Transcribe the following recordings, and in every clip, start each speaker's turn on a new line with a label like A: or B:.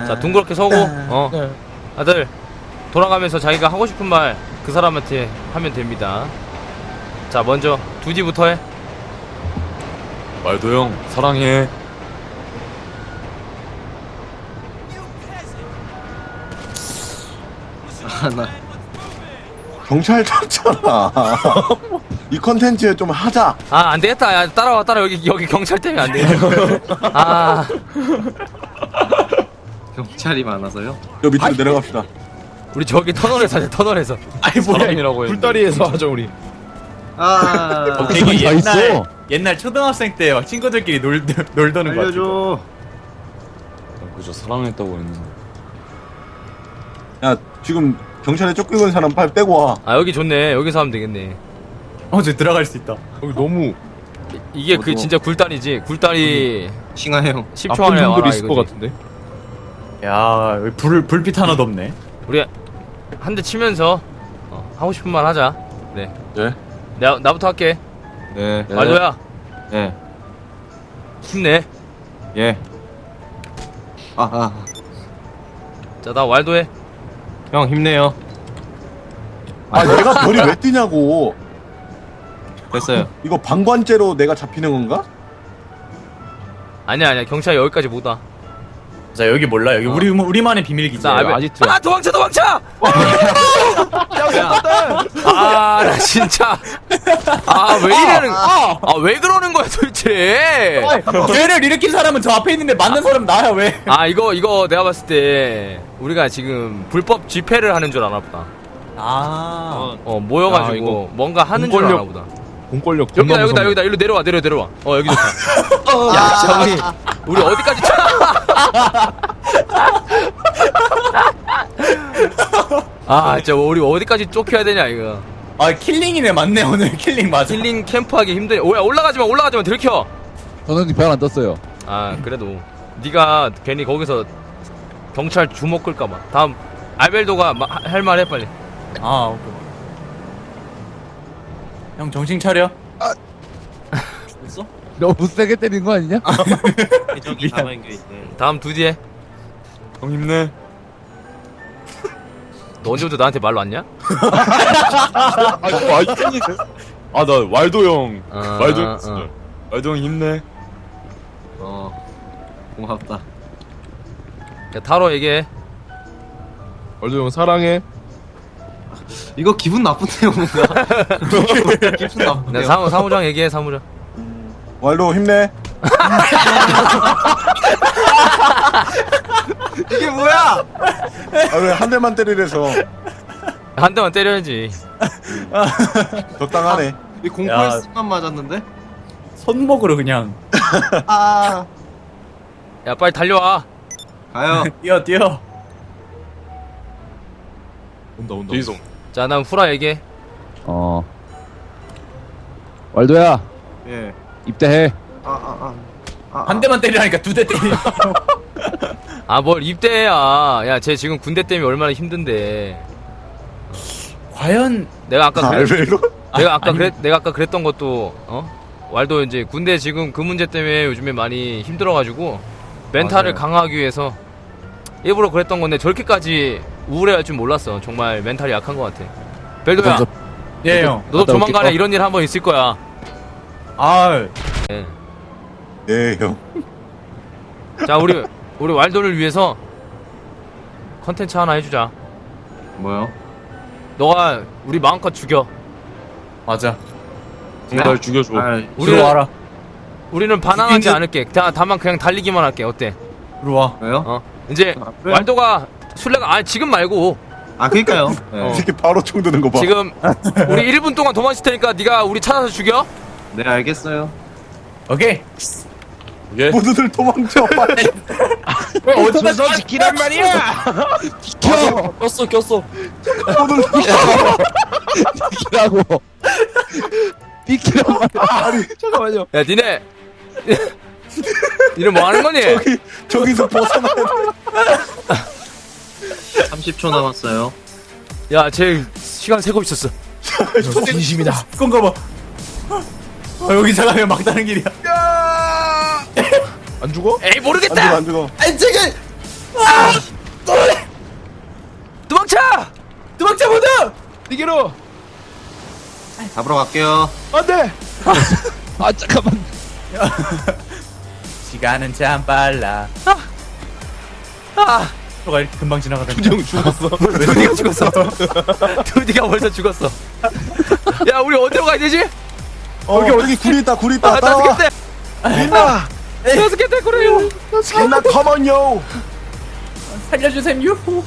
A: 자 둥그렇게 서고
B: 네.
A: 다들 돌아가면서 자기가 하고 싶은 말 그 사람한테 하면 됩니다. 자 먼저 두지부터 해.
C: 말도 형 사랑해.
D: 나
E: 경찰 탔잖아. 이 컨텐츠에 좀 하자.
A: 아 안되겠다. 야 따라와 여기 경찰 때문에 안되겠다. 아
D: 경찰이 많아서요?
E: 저 밑으로 내려갑시다.
A: 우리 저기 터널에서 하자. 터널에서.
B: 아니 뭐야
C: 사랑이라고 했는데.
B: 불다리에서 하죠 우리.
D: 아,
F: 되게
G: 다 있어.
F: 옛날 초등학생 때 막 친구들끼리 놀더는 거 같아.
D: 알려줘.
C: 그저 사랑했다고 했는데.
E: 야, 지금 경찰에 쫓기는 사람 빨리 떼고 와.
A: 아 여기 좋네. 여기서 하면 되겠네.
F: 저 들어갈 수 있다.
B: 여기 너무
A: 이게 그 진짜 굴다리지. 굴다리
D: 싱하 형.
A: 10초
B: 나쁜
A: 안에
B: 분들이
A: 와라
B: 있을 것
A: 이거지.
B: 같은데.
F: 야, 여기 불빛 하나도 없네.
A: 우리 한 대 치면서 하고 싶은 말 하자. 네.
E: 네.
A: 나부터 할게.
C: 네.
A: 말도야
C: 예.
A: 힘내.
C: 예.
A: 자 나 왈도 해.
C: 형 힘내요.
E: 아, 내가 별이 왜 뛰냐고.
C: 됐어요.
E: 이거 방관죄로 내가 잡히는 건가?
A: 아니야 경찰 여기까지 못 와.
F: 자, 여기 몰라. 여기 우리만의 비밀 기지.
A: 자 알베.
C: 아지트.
A: 아 도망쳐. 아 나 진짜. 아 왜 이러는. 아 왜 그러는 거야 도대체.
F: 죄를 일으킨 사람은 저 앞에 있는데 맞는 사람은 나야 왜?
A: 아 이거 내가 봤을 때 우리가 지금 불법 집회를 하는 줄 아나 보다. 모여가지고
B: 야, 이거
A: 뭔가 하는 줄 아나 보다.
B: 공권력
A: 여기다 일로 내려와. 여기 좋다. 야 진짜 우리 어디까지 아 진짜 우리 어디까지 쫓겨야 되냐 이거.
F: 아, 킬링이네. 맞네. 오늘 킬링 맞아.
A: 힐링 캠프하기 힘드네. 오야 올라가지마 들켜.
G: 저는 별안 떴어요.
A: 아 그래도 네가 괜히 거기서 경찰 주먹 끌까봐. 다음 알벨도가 할 말 해 빨리.
F: 아, 오케이. 형 정신 차려.
G: 너무 세게 때린 거 아니냐?
D: 저기 남아있는 게 있네.
A: 다음 두디 해.
C: 형 힘내.
A: 너 언제부터 나한테 말 놨냐?
C: 나 왈도 형.
A: 어,
C: 말도
A: 어,
C: 형.
A: 어.
C: 말도 형 힘내.
D: 고맙다.
A: 야 타로 얘기해.
B: 얼도 형 사랑해.
D: 이거 기분 나쁜데요, 뭔가. 기분
A: 야,
D: 나쁜데요.
A: 사무장 얘기해 사무장.
E: 왈도 힘내.
D: 이게 뭐야?
E: 아, 왜 한 대만 때리래서.
A: 한 대만 때려야지.
E: 적당하네.
D: 이 공포에서만 맞았는데?
F: 손목으로 그냥
D: 아,
A: 야 빨리 달려와.
D: 가요.
F: 뛰어.
B: 온다.
C: 뒤송.
A: 자 난 후라 얘기해.
G: 왈도야,
D: 예.
G: 입대해.
F: 한 대만 때리라니까 두 대 때리.
A: 아 뭘 입대해야. 야 쟤 지금 군대 때문에 얼마나 힘든데.
F: 과연
A: 내가 아까
E: 알벨로?
A: 내가 아까 그랬던 것도 왈도 이제 군대 지금 그 문제 때문에 요즘에 많이 힘들어가지고 멘탈을 강화하기 위해서 일부러 그랬던 건데 저렇게까지 우울해할 줄 몰랐어. 정말 멘탈이 약한 것 같아. 벨도야,
F: 예, 형.
A: 너도
G: 갔다
A: 조만간에
G: 올게.
A: 이런 일 한번 있을 거야.
F: 아,
A: 예.
E: 네, 형.
A: 자 우리 왈도를 위해서 컨텐츠 하나 해주자.
D: 뭐요?
A: 너가 우리 마음껏 죽여.
F: 맞아.
C: 날 죽여줘.
F: 들어와라.
A: 우리는 반항하지
F: 죽이는-
A: 않을게. 다만 그냥 달리기만 할게. 어때?
F: 들어와.
D: 왜요?
A: 이제
D: 그래요?
A: 왈도가 술래가 지금 말고
D: 그니까요.
E: 이 새끼 바로 총 드는 거 봐.
A: 지금 우리 1분 동안 도망칠 테니까 네가 우리 찾아서 죽여.
D: 네, 알겠어요.
F: 오케이.
C: 예.
E: 모두들 도망쳐, 빨리.
B: 어디서 지키란 말이야.
C: 꼈어.
G: 비키라고. 비키란 말이야.
B: 잠깐만요.
A: 야 니네 니네 뭐 하는 거니?
E: 저기서 벗어나야 돼.
D: 30초 남았어요.
A: 야 쟤 시간 세고 있었어.
B: 진심이다.
F: 그건가 봐. 여기 잠깐만 막다른 길이야.
B: 안 죽어?
A: 에이
E: 안
A: 모르겠다.
E: 죽어, 안 죽어.
F: 아니, 저기
A: 도망쳐!
F: 도망쳐 모두!
B: 니게로.
D: 잡으러 갈게요.
B: 안돼.
G: 아 잠깐만.
F: 시간은 참 빨라.
A: 아,
F: 가 이렇게 금방 지나가던데.
B: 준영 죽었어.
A: 두디가 죽었어. 두디가 벌써 죽었어. 야, 우리 어디로 가야 되지?
E: 여기 굴이 있다 굴이 있다.
A: 아,
E: 따라와.
A: 다섯 개째.
E: 민나
A: 다섯 개째 그래요.
E: 민나 컴온요.
F: 살려주셈 유후.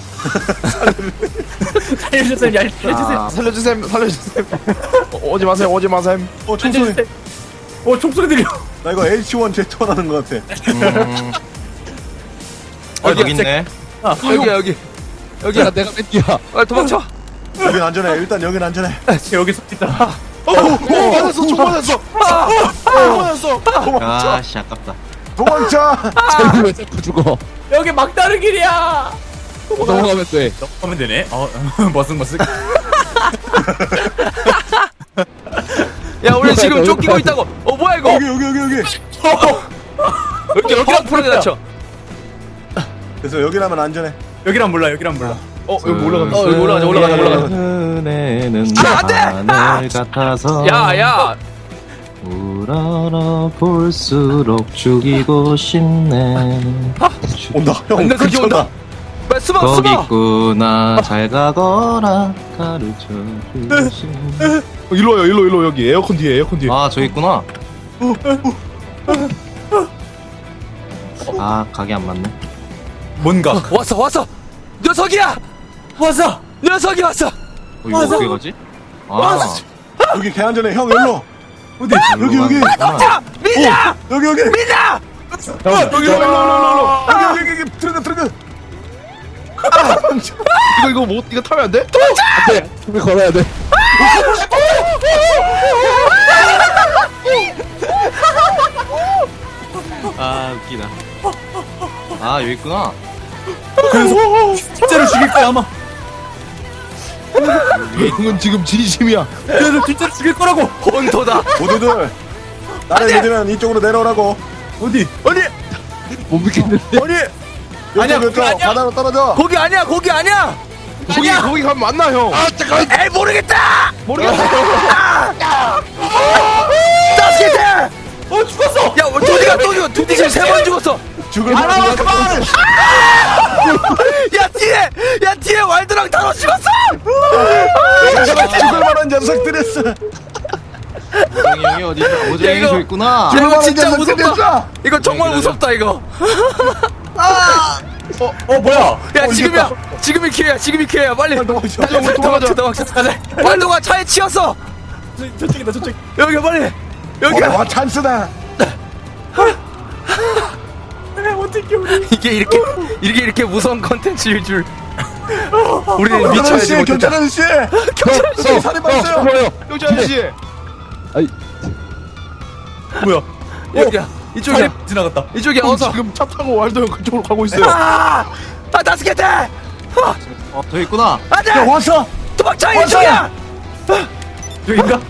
F: 살려주셈 야 살려주셈.
D: 아,
B: 살려주셈 살려주셈. 오지 마셈 오지 마셈.
E: 총소리.
F: 살려주셈. 총소리 들려.
E: 나 이거 H1 Z1 하는 것 같아.
D: 여기 있네.
A: 여기.
G: 내가 뺀디야.
A: 빨리 도망쳐.
E: 여긴 안전해. 일단 여긴 안전해.
F: 여기 서 있다.
B: 맞았어 총 맞았어. 맞았어.
D: 아씨 아깝다.
E: 도망쳐.
G: 쟤는 왜 자꾸 죽어?
F: 여기 막다른 길이야.
G: 넘어가면 돼.
F: 하면 되네. 머쓱.
A: 야, 우리 지금 쫓기고 있다고. 뭐야 이거?
E: 여기.
A: 여기랑 풀어내 놨죠.
E: 그래서 여기라면 안전해.
F: 여기란 몰라. 여기란 몰라.
B: 여기 올라가면.
A: 여기 올라가자.
D: 은혜는
A: 안 돼!
D: 하늘 같아서
A: 야.
D: 우러러 볼수록 죽이고 싶네.
E: 온다. 형.
A: 내 새끼 온다. 빨리 숨어.
D: 거기 있구나 잘 가거라 가르쳐 주신.
B: 일로 와요 일로 여기 에어컨 뒤에
D: 아 저기 있구나. 아 가게 안 맞네.
F: 뭔가.
A: 왔어. 녀석이야. 녀석이 왔어.
D: 이거 어떻게 가지? 아
E: 여기 개 안전해. 형 일로.
D: 어디?
E: 여기.
A: 자, 민나.
E: 여기.
A: 민나.
E: 여기 트럭.
B: 이거 뭐 이거 타면 안 돼?
G: 안돼. 숨이 걸어야 돼.
D: 아 웃기다. 아 여기 있구나.
F: 진짜로 죽일 거야 아마.
B: 형은 지금 진심이야.
F: 그래서 진짜로 죽일 거라고.
A: 혼토다.
E: 모두들 나를 믿으면 이쪽으로 내려오라고.
F: 어디?
G: 못 믿겠는데.
F: 아니야,
E: 이쪽
F: 그거 아니야.
E: 바다로 떨어져.
A: 거기 아니야.
B: 거기 가면 만나 형.
A: 에이, 모르겠다. 다섯 개째.
F: 죽었어.
A: 야, 두디 지금 3번 죽었어.
E: 죽을 만한
F: 그만.
A: 야, 뒤에 왈드랑 타로 죽었어.
E: 죽을 만한 녀석들이었어.
D: 형이 어디 있어?
A: 야,
D: 오정이
A: 이거-
D: 저 있구나.
A: 이거 진짜
E: 녀석들이었어.
A: 무섭다. 이거 정말 무섭다 이거.
F: 뭐야?
A: 야, 지금이 기회야. 빨리.
E: 도망쳐.
A: 도망쳐. 왈도가 차에 치였어.
F: 저쪽이다 저쪽.
A: 여기 빨리. 여기야.
E: 와 찬스다.
F: 어떻게 우리?
A: 이게 이렇게 무서운 컨텐츠일 줄. 우리는 미쳐야지 못했다.
E: 경찰 아저씨.
G: 형,
E: 살인 봤어요.
G: 뭐요?
B: 경찰 아저씨.
G: 아이,
F: 뭐야?
A: 여기야. 이쪽이야.
F: 지나갔다.
A: 이쪽이야.
B: 형
A: 어서.
B: 지금 차 타고 왈도 형 그쪽으로 가고 있어요.
A: 다섯 개째.
D: 저 있구나.
A: 안돼.
E: 야 왔어.
A: 도망쳐. 이쪽이야.
F: 저기인가?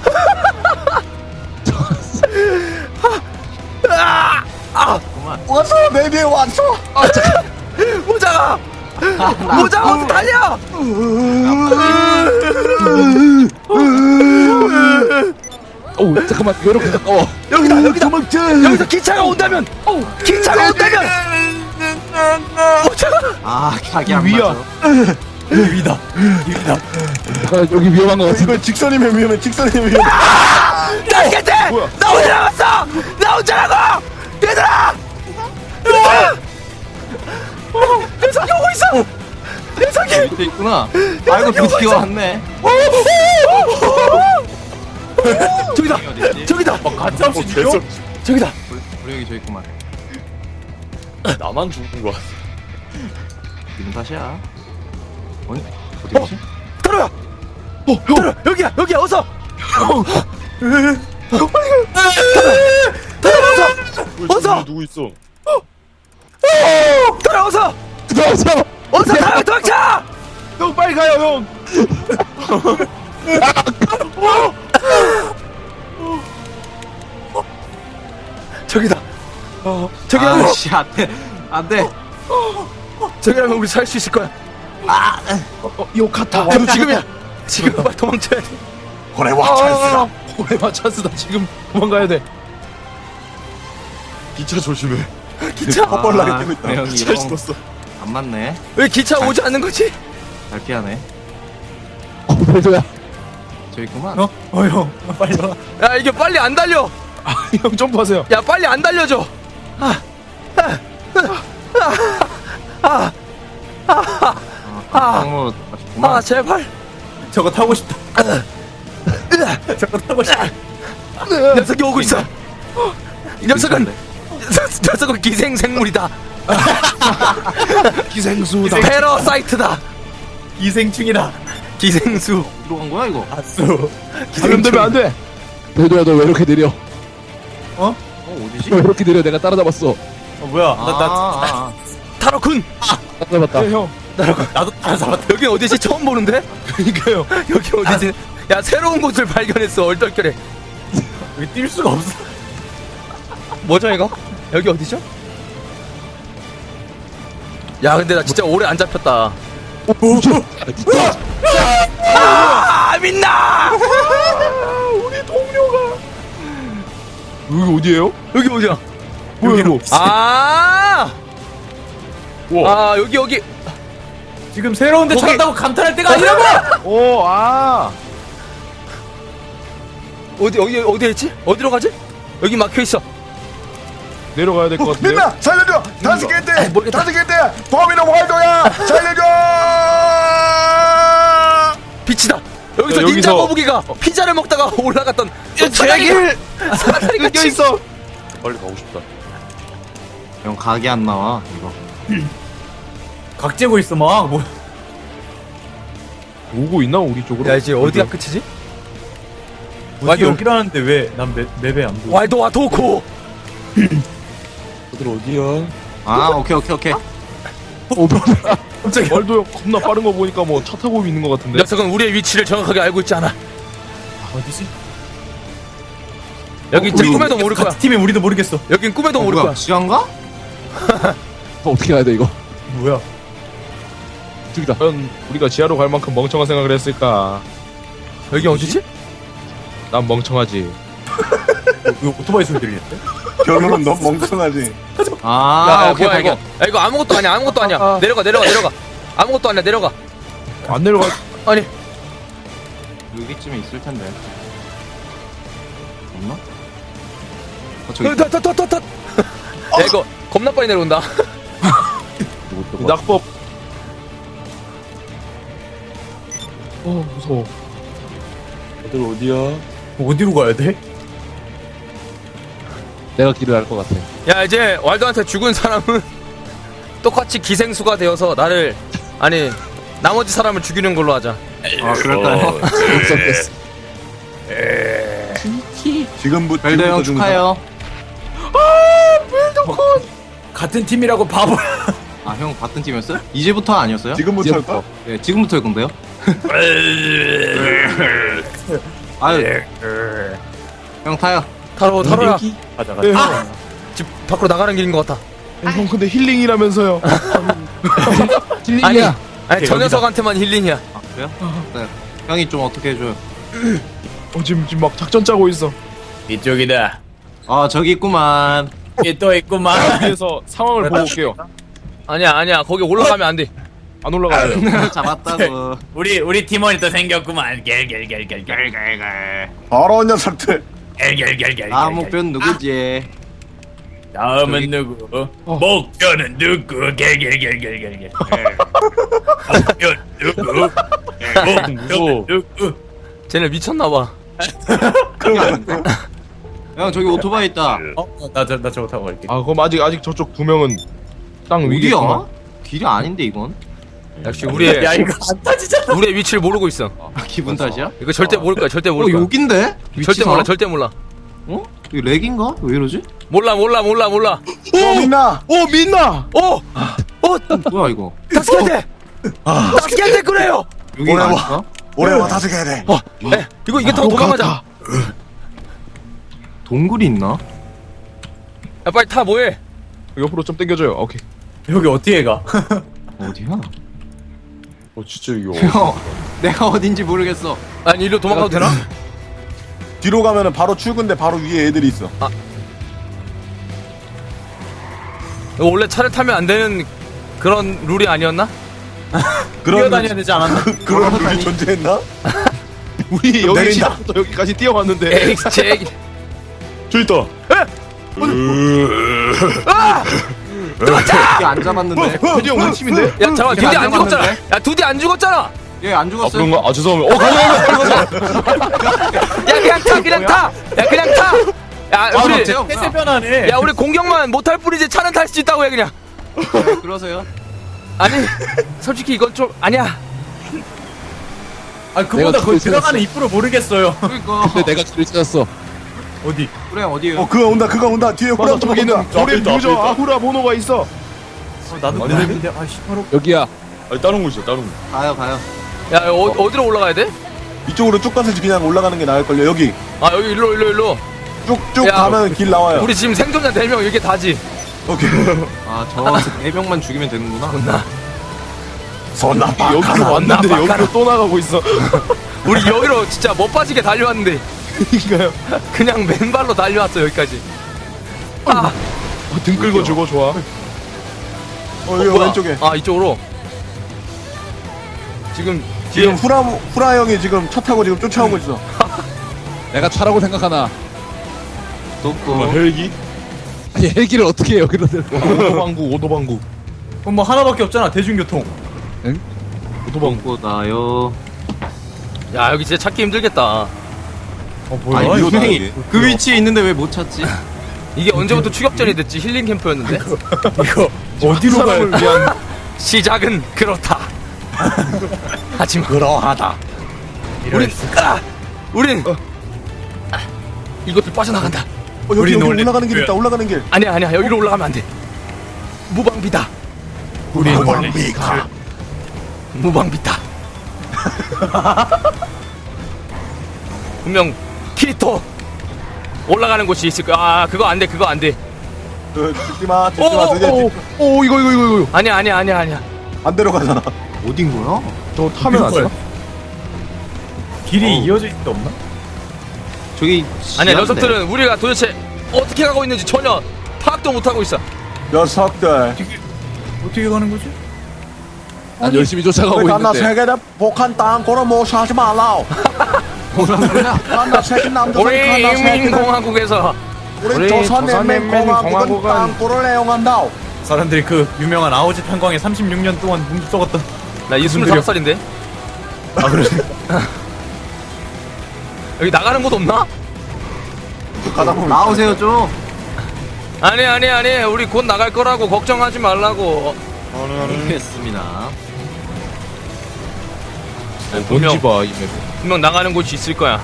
E: 왔어. 내 뒤에 왔어.
A: 모자가 어디 달려.
G: 오 잠깐만 이렇게 가까워.
A: 여기다.
E: 도망쳐.
A: 여기서 기차가 온다면. 모자가.
D: 아 가게 안
B: 위야.
D: 맞아.
F: 위다.
G: 잠깐 여기 위험한 거 같은데.
E: 이거 직선이면 위험해.
A: 다섯 개째. 나 혼자 남았어. 나 혼자라고. 얘들아. 녀석이 오고 있어. 녀석이.
D: 밑에 있구나. 아이고 드디어 왔네.
A: 저기다.
D: 어딨지?
A: 저기다.
F: 가차없이 죽여?
A: 저기다.
D: 우리 여기 저 있구만.
C: 나만 죽은 거야.
D: 지금 다시야. 어디 어디지?
A: 들어요. 형. 여기야. 어서. 어서.
C: 누구 있어?
A: 들어 어서.
G: 들어와서.
A: 도망쳐.
B: 형 빨리 가요 형.
A: 저기다. 저기
D: 아씨 안돼 안돼.
A: 저기라면 우리 살 수 있을 거야.
B: 요카타.
A: 지금이야. 지금 빨리 도망쳐야 돼.
E: 고래와 찬스다.
B: 오레마 찬스다. 지금 도망가야 돼.
C: 기차 조심해.
A: 기차.
E: 헛벌나게 뛰고 있다.
D: 형이
B: 잘
D: 이거
B: 썼어.
D: 안 맞네.
A: 왜 기차 오지 않는 거지?
D: 잘 피하네.
G: 별도야.
D: 저기 있구만.
F: 형 빨리 와.
A: 야 이게 빨리 안 달려.
B: 형 점프하세요.
A: 야 빨리 안 달려줘.
D: 너무 맛있구만.
A: 제발.
F: 저거 타고 싶다. 저거 타고 싶다.
A: 녀석이 오고 있어. 이 녀석은 녀석은 기생생물이다.
B: 기생수다.
A: 패러사이트다.
F: 기생충이다.
A: 기생수.
D: 어디로 간 거야 이거?
F: 아수.
B: 감염되면 안 돼.
G: 별도야 너 왜 이렇게 느려?
D: 어디지?
G: 왜 이렇게 느려? 내가 따라잡았어.
F: 뭐야?
A: 타로군.
G: 따라잡았다.
B: 네, 형.
F: 나도 따라잡았다.
A: 여기 어디지? 처음 보는데?
B: 그러니까요.
A: 여기 어디지? 야 새로운 곳을 발견했어. 얼떨결에.
F: 여기 뛸 수가 없어.
A: 뭐죠 이거? 여기 어디죠? 야 근데 나 진짜 오래 안 잡혔다. 아 민나!
B: 여기 어디예요?
A: 여기 어디야?
B: 여기로.
A: 아 여기
F: 지금 새로운 데
A: 거기-
F: 찾았다고 감탄할 때가 아니라고!
B: 오, 아.
A: 어디에 있지? 어디로 가지? 여기 막혀 있어.
B: 내려가야 될 것 같은데.
E: 민나 살려줘. 다섯 개인데.
A: 모르겠다.
E: 다섯 개인데. 범인은 waldo야. 살려줘.
A: 빛이다. 여기서
B: 여기서-
A: 닌자 거북이가 피자를 먹다가 올라갔던
B: 제길.
A: 사다리가
B: 껴 있어.
C: 빨리 가고 싶다.
D: 형 각이 안 나와 이거.
F: 각 재고 있어 막. 뭐.
B: 오고 있나 우리 쪽으로?
A: 야 이제 어디가 끝이지?
F: 어디 여기라는데 왜 난 맵에 안 보여?
A: 와이도와 도코.
C: 다들 어디야?
D: 아 오케이.
F: 갑자기
B: 말도 형 겁나 빠른 거 보니까 뭐 차 타고 있는 것 같은데.
A: 녀석은 우리의 위치를 정확하게 알고 있지 않아.
F: 어디지?
A: 여기 진짜 꿈에도 모를 거야.
F: 같은 팀에 우리도 모르겠어.
A: 여긴 꿈에도 모를
D: 뭐야?
A: 거야.
D: 시간가?
G: 어떻게 가야 돼 이거?
F: 뭐야?
G: 저기다.
B: 과연 우리가 지하로 갈 만큼 멍청한 생각을 했을까?
A: 여기 어디지?
B: 난 멍청하지.
F: 이거 오토바이 소리 들리는데?
E: 결론은 넌 멍청하지.
D: 아
A: 야,
D: 오케이
A: 뭐야 이거?
D: 발견.
A: 야, 이거 아무것도 아니야. 아무것도 아니야. 내려가. 아무것도 아니야. 내려가.
B: 안 내려가.
A: 아니.
D: 여기쯤에 있을 텐데. 없나? 저기 있다.
A: 야 이거 겁나 빨리 내려온다.
B: 이 낙법. 무서워.
C: 다들 어디야?
F: 어디로 가야 돼?
G: 내가 길을 알 것 같아.
A: 야 이제 왈도한테 죽은 사람은 똑같이 기생수가 되어서 나를 아니 나머지 사람을 죽이는 걸로 하자.
D: 아 그럴까요?
G: 없었겠어.
E: 지금부터
D: 별도 형 축하해요.
F: 같은 팀이라고 바보.
D: 아 형 같은 팀이었어요? 이제부터 아니었어요?
E: 지금부터 할까?
D: 네 지금부터일 건데요. 아유 형 타요.
A: 타로야.
F: 가자
B: 네,
F: 가자.
B: 형.
A: 집 밖으로 나가는 길인 것 같아.
B: 형 근데 힐링이라면서요.
G: 힐링이야.
A: 아니 저 녀석한테만 힐링이야.
D: 아 그래요? 네. 형이 좀 어떻게 해줘요?
B: 지금 막 작전 짜고 있어.
F: 이쪽이다.
D: 아 저기 있구만.
F: 여기 또 있구만.
B: 위에서 상황을 보고 올게요.
A: 아니야 거기 올라가면 안 돼.
B: 안 올라가요.
D: 잡았다고.
F: 우리 팀원이 또 생겼구만. 겔겔겔겔겔겔겔.
E: 더러운 녀석들.
F: 겔겔겔겔.
D: 다음 목표는 누구지?
F: 다음은 누구? 목표는 누구? 겔겔겔겔겔. 목표는 누구? 목표는 누구?
A: 쟤네 미쳤나봐.
D: 형 저기 오토바이 있다.
F: 나 저거 타고 갈게.
B: 아 그럼 아직 저쪽 두 명은 땅 위에
D: 어디야?
B: 있구만.
D: 길이 아닌데 이건?
A: 역시 우리의
F: 야 이거 안 타지잖아.
A: 우리의 위치를 모르고 있어.
D: 기분 탓이야?
A: 이거 절대 모를 거야. 절대
D: 어
A: 모를 거야.
D: 여긴데?
A: 절대 몰라. 절대 몰라.
D: 어? 이거 렉인가? 왜 이러지?
A: 몰라.
E: 오 민나.
B: 오 민나.
D: 뭐야 이거?
A: 다스케테. 다스케테 그래요.
D: 여기가 아닐까?
E: 올해와 다섯 개 돼.
A: 이거 타고 도망가자.
D: 동굴이 있나?
A: 야 빨리 타 뭐해?
B: 옆으로 좀 당겨줘요. 오케이.
F: 여기 어떻게 가?
D: 어디야?
C: 진짜 이거.
D: 형, 내가 어딘지 모르겠어.
A: 아니 일로 도망가도 되나?
E: 뒤로 가면은 바로 출근데 바로 위에 애들이 있어.
A: 이거 원래 차를 타면 안 되는 그런 룰이 아니었나?
F: 뛰어다녀야 되지 않았나?
E: 그런 룰이 존재했나?
B: 우리 여기
E: 내린다.
B: 시작부터 여기까지 뛰어왔는데.
A: 에이 제
C: 저 있다.
D: 이게 안 잡았는데.
B: 드디어 우리 팀인데?
A: 야 잠깐만 두디 안 죽었잖아. 야 두디 안 죽었잖아.
D: 얘 안
C: 아,
D: 죽었어요.
C: 그런가? 아, 죄송합니다. 가자.
A: 야 그냥 타 그냥 타. 야 그냥 타. 야 우리
D: 맞죠?
F: 태세 변화네.
A: 야 우리 공격만 못할 뿐이지 차는 탈 수 있다고 해 그냥.
D: 네, 그러세요.
A: 아니 솔직히 이건 좀 아니야.
F: 아 그보다
G: 내가
F: 거기
G: 뒤에
F: 들어가는 입구를 모르겠어요.
D: 그러니까.
G: 근데 내가 길을 찾았어.
F: 어디?
D: 그래, 어디에요?
E: 그가 온다. 그가 온다. 뒤에
B: 맞아,
E: 호랑
B: 저기는
E: 온다.
B: 고래
C: 있다, 앞에
B: 유저
C: 있다.
B: 아후라 번호가 있어.
F: 나도 모르겠는데. 아씨 바로.
G: 여기야.
C: 아니, 다른 곳 있어, 다른 곳.
D: 가요.
A: 야 어디로 올라가야 돼?
E: 이쪽으로 쭉 가서 그냥 올라가는 게 나을걸요. 여기
A: 아 여기 일로.
E: 쭉쭉
A: 야,
E: 가면 길 나와요.
A: 우리 지금 생존자 4명 이게 다지.
E: 오케이.
D: 아, 저 4명만 죽이면 되는구나.
A: 나
E: 손 나빠.
B: 여기로 왔는데
A: 나빠가라.
B: 여기로 또 나가고 있어.
A: 우리 여기로 진짜 못 빠지게 달려왔는데
B: 그러니까요.
A: 그냥 맨발로 달려왔어 여기까지. 아
B: 등 끌고 죽어 좋아.
E: 여기
A: 뭐야?
E: 왼쪽에.
A: 아 이쪽으로. 지금
E: 지금 후라 형이 지금 차 타고 지금 쫓아오고 있어.
G: 내가 차라고 생각하나.
D: 또
C: 헬기?
G: 아니 헬기를 어떻게 해 여기로 들고?
B: 오도방구.
F: 그럼 뭐 하나밖에 없잖아. 대중교통.
D: 먹고 나요.
A: 야 여기 진짜 찾기 힘들겠다.
F: 뭐야?
D: 아니,
E: 이거
D: 분명히
E: 나가게.
D: 그 위치에 있는데 왜 못 찾지?
A: 이게 언제부터 추격전이 됐지? 힐링 캠프였는데.
F: 이거 어디로 가야
B: 사람을 위한
A: 시작은 그렇다. 하지만
F: 그러하다.
A: 우린 이것을 빠져나간다.
E: 여기
F: 우린 원래
E: 올라가는 길
F: 그-
E: 있다. 올라가는 길.
A: 아니야 여기로 올라가면 안 돼. 무방비다.
F: 우리 원래
A: 무방비다. 분명 키리토 올라가는 곳이 있을 거야. 아 그거 안 돼.
E: 듣지 마.
B: 오 이거.
A: 아니야.
E: 반대로 가잖아.
D: 어딘 거야?
B: 저 타면 안 되나?
F: 길이 이어져 있는 데 없나?
D: 저기
A: 아니야
D: 지하인데.
A: 녀석들은 우리가 도대체 어떻게 가고 있는지 전혀 파악도 못하고 있어.
E: 녀석들.
F: 어떻게 가는 거지?
G: 난 열심히 쫓아가고
E: 왜 나
G: 있는데.
E: 세계대 복한 땅 고로 못 사지 말라.
D: 뭐라는 거야?
E: 나 세계 남조선
A: 우리
E: 칸나 세계
A: 인민공화국에서
E: 우리 조선인민공화국은
B: 공화국은
E: 땅굴을 애용한다.
F: 사람들이 그 유명한 아오지 탄광에 36년 동안 뭉 썩었던.
A: 나 25살인데
F: 아 그래?
A: 여기 나가는 곳 없나?
E: 가다 보면
D: 나오세요 좀.
A: 아니 우리 곧 나갈 거라고 걱정하지 말라고.
D: 알겠습니다.
B: 뭔지 봐 이 맵.
A: 분명 나가는 곳이 있을 거야.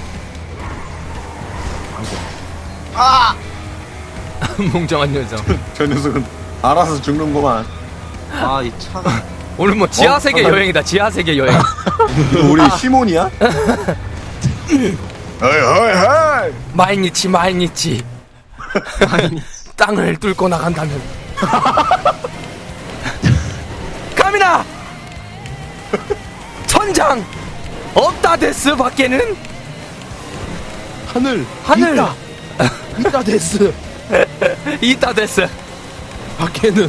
A: 몽정한 녀석.
E: 저 녀석은 알아서 죽는구만.
D: 아, 이 차가.
A: 오늘 뭐 지하세계 여행이다. 지하세계 여행.
E: 이거 우리 시몬이야? 헤이.
A: 마이니치 땅을 뚫고 나간다면 카미나 천장 없다 데스 밖에는
B: 하늘 있다 데스.
A: 있다 데스
B: 밖에는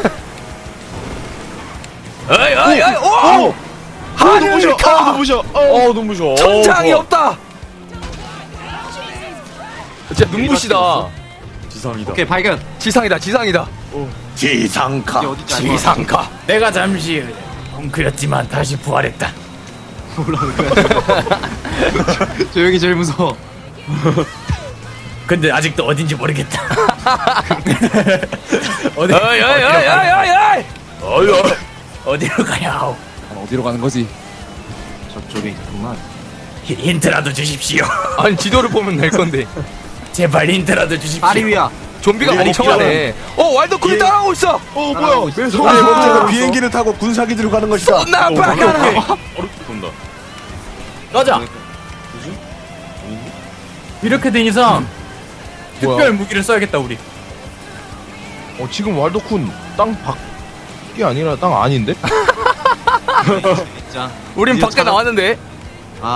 A: 어이 오 하늘이 가
B: 눈부셔.
C: 눈부셔.
A: 천장이 없다. 진짜 눈부시다.
C: 지상이다.
D: 오케이, 발견.
A: 지상이다.
E: 지상카.
D: 이게 어디지?
A: 지상가.
F: 내가 잠시 엉크렸지만 다시 부활했다.
D: 뭐라는 거야? 저 여기 제일 무서워.
F: 근데 아직도 어딘지 모르겠다. 어디?
A: 어이
F: 어디로 가야 하오?
G: 어디로 가는 거지?
D: 저쪽에 있구만.
F: 힌트라도 주십시오.
A: 아니 지도를 보면 될 건데.
F: 제발 힌트라도 주십시오.
D: 파리 위야.
A: 좀비가
E: 우리
A: 엄청 하네. 와일드쿤이 따라오고 있어.
B: 뭐야? 왜
E: 우리
B: 손에
E: 목적은 비행기를 타고 군사기지로 가는 것이다.
A: 쏜나 빠가나.
C: 어렵게 본다.
F: 가자. 이렇게 된 이상 특별 무기를 써야겠다 우리.
B: 지금 왈도쿤 땅 밖 이게 아니라 땅 아닌데?
D: 진짜.
A: 우린
D: 드디어
A: 밖에 나왔는데.
D: 아,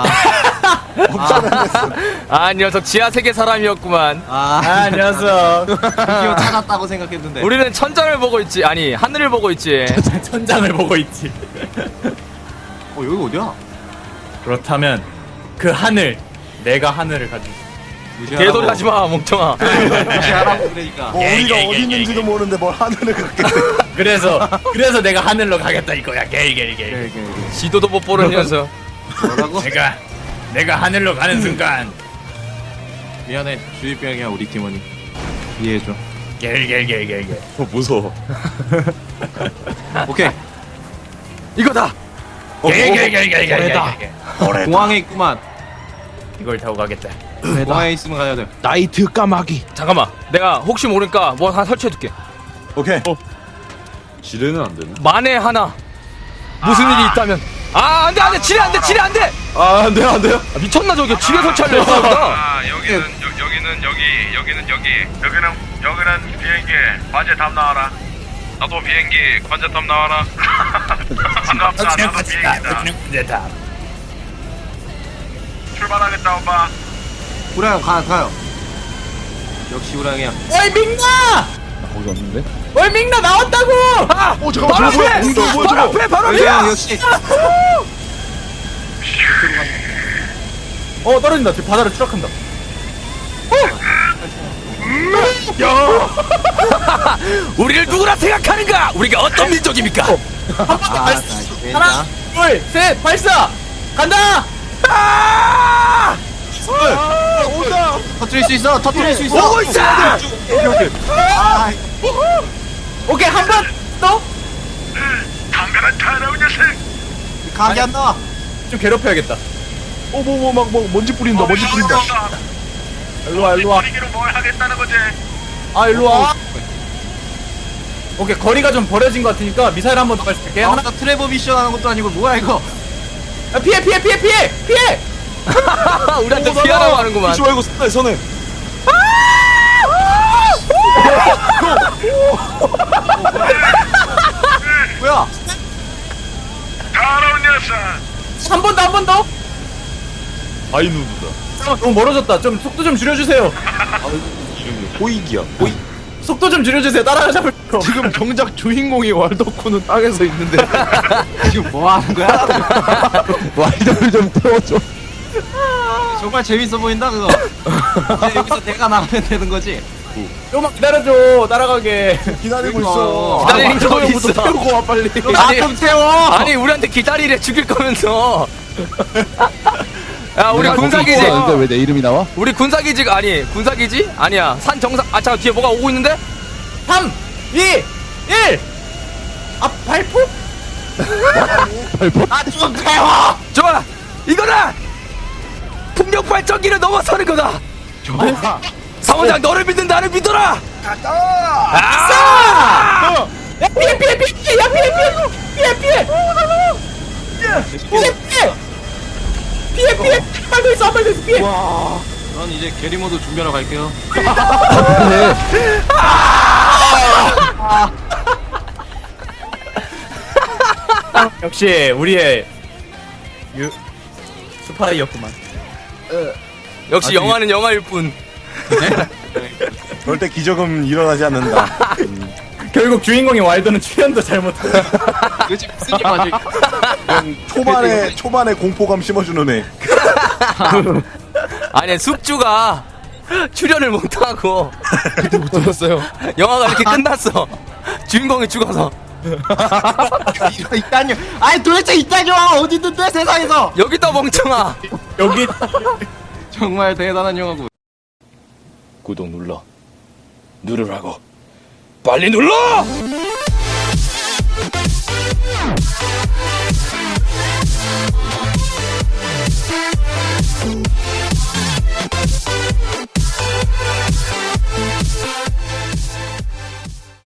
A: 아, 녀석 지하 세계 사람이었구만.
F: 아 녀석.
D: 드디어 찾았다고 생각했는데.
A: 우리는 천장을 보고 있지. 아니, 하늘을 보고 있지.
F: 천장을 보고 있지.
D: 여기 어디야?
F: 그렇다면 그 하늘, 내가 하늘을 가지고 있어.
D: 무시하라고.
A: 개소리 하지 마, 멍청아.
D: 무시하라고 그러니까.
E: 뭐 우리가 어디 있는지도 모르는데 뭘 하늘을 갔겠대.
F: 그래서 내가 하늘로 가겠다 이거야. 게이.
A: 지도도 못 보는 녀석.
D: 뭐라고?
F: 내가 하늘로 가는 순간
D: 미안해. 주입병이야 우리 팀원이. 이해해줘.
F: 게이.
C: 무서워.
D: 오케이.
A: 이거다.
F: 게이.
D: 공항에 있구만.
F: 이걸 타고 가겠다.
D: 공항에 있으면 가야 돼.
B: 나이트 까마귀.
A: 잠깐만. 내가 혹시 모르니까 뭐 하나 설치해둘게.
E: 오케이.
C: 지뢰는 안 되네.
A: 만에 하나 무슨 일이 있다면. 아, 안돼. 지뢰 안돼.
C: 아, 안 돼요, 안 돼요.
A: 아, 미쳤나 저게. 지뢰 설치하려 했어.
H: 아, 여기는 여기는 비행기 관제탑 나와라. 나도 비행기 관제탑 나와라. 반갑다. 나도 비행기다. 출발하겠다 오빠.
D: 우랑 가요. 역시 우랑이야.
F: 어이 민나!
G: 거기 없는데?
F: 어이 민나 나왔다고!
A: 아,
B: 잠깐만, 저거 뭐야? 운동 뭐야, 저거?
A: 바로
D: 우랑
A: 앞이야.
D: 역시.
F: 떨어진다. 지금 바다로 추락한다.
A: 우리를 누구라 생각하는가? 우리가 어떤 민족입니까?
F: 하나, 둘, 셋, 발사! 간다!
A: 아!
D: 터뜨릴 수 있어.
A: 오고 있어!
D: 아,
F: 오케이, 한 번 더!
H: 담배가 타라운 녀석.
D: 각이 안 나와.
F: 좀 괴롭혀야겠다.
B: 막 먼지 뿌린다.
F: 일로와.
H: 분위기로 뭘 하겠다는 거지?
F: 아, 일로와. 오케이, 거리가 좀 버려진 것 같으니까 미사일 한 번 더 발사할게. 하나,
D: 나 트래버 미션 하는 것도 아니고 뭐야 이거?
F: 아, 피해!
A: 우리한테 피하라고 하는구만.
C: 이지 말고 손에.
D: 뭐야?
H: 타라운 녀석.
F: 한 번 더!
C: 아이누드다.
F: 잠깐만, 너무 멀어졌다. 좀 속도 좀 줄여주세요.
C: 호익이야.
F: 속도 좀 줄여주세요. 따라잡을 거.
B: 지금 정작 주인공이 왈도쿠는 땅에서 있는데.
D: 지금 뭐 하는 거야?
G: 와이드를 좀 태워줘.
D: 정말 재밌어 보인다 그거. 이제 여기서 내가 나가면 되는 거지.
F: 조금만 기다려줘. 따라가게.
E: 기다리고 있어.
A: 기다리는 거 있어.
B: 태우고 와 빨리.
D: 나 좀 태워.
A: 아니, 우리한테 기다리래 죽일 거면서. 야, 우리
G: 내가
A: 군사기지.
G: 거기 있었는데 왜 내 이름이 나와?
A: 우리 군사기지가 아니, 군사기지? 아니야. 산 정상. 아, 잠깐 뒤에 뭐가 오고 있는데?
F: 3, 2, 1! 아, 발포?
D: 나좀 태워.
A: 좋아. 이거다. 풍력 발전기를 넘어서는 거다. 사원장, 너를 믿는 나를 믿어라. 아!
F: 야, 피해! 야, 피해! 피해! 한 발 더 있어, 피해!
D: 전 이제 게리모드 준비하러 갈게요.
F: 역시, 우리의 스파이였구만.
A: 역시 영화는 영화일 뿐.
E: 절대 기적은 일어나지 않는다.
F: 결국 주인공인 왈도는 출연도 잘못하고.
D: 도대체 무슨 일 맞을?
E: 그냥 초반에 공포감 심어주는 애.
A: 아니, 숙주가 출연을 못하고
B: 못 들었어요.
A: 영화가 이렇게 끝났어. 주인공이 죽어서.
D: 있다뇨. 아니 도대체 있다뇨. 어디 있는데 세상에서?
A: 여기 있다, 멍청아.
F: 여기
D: 정말 대단한 영화고.
B: 구독 누르라고. 빨리 눌러!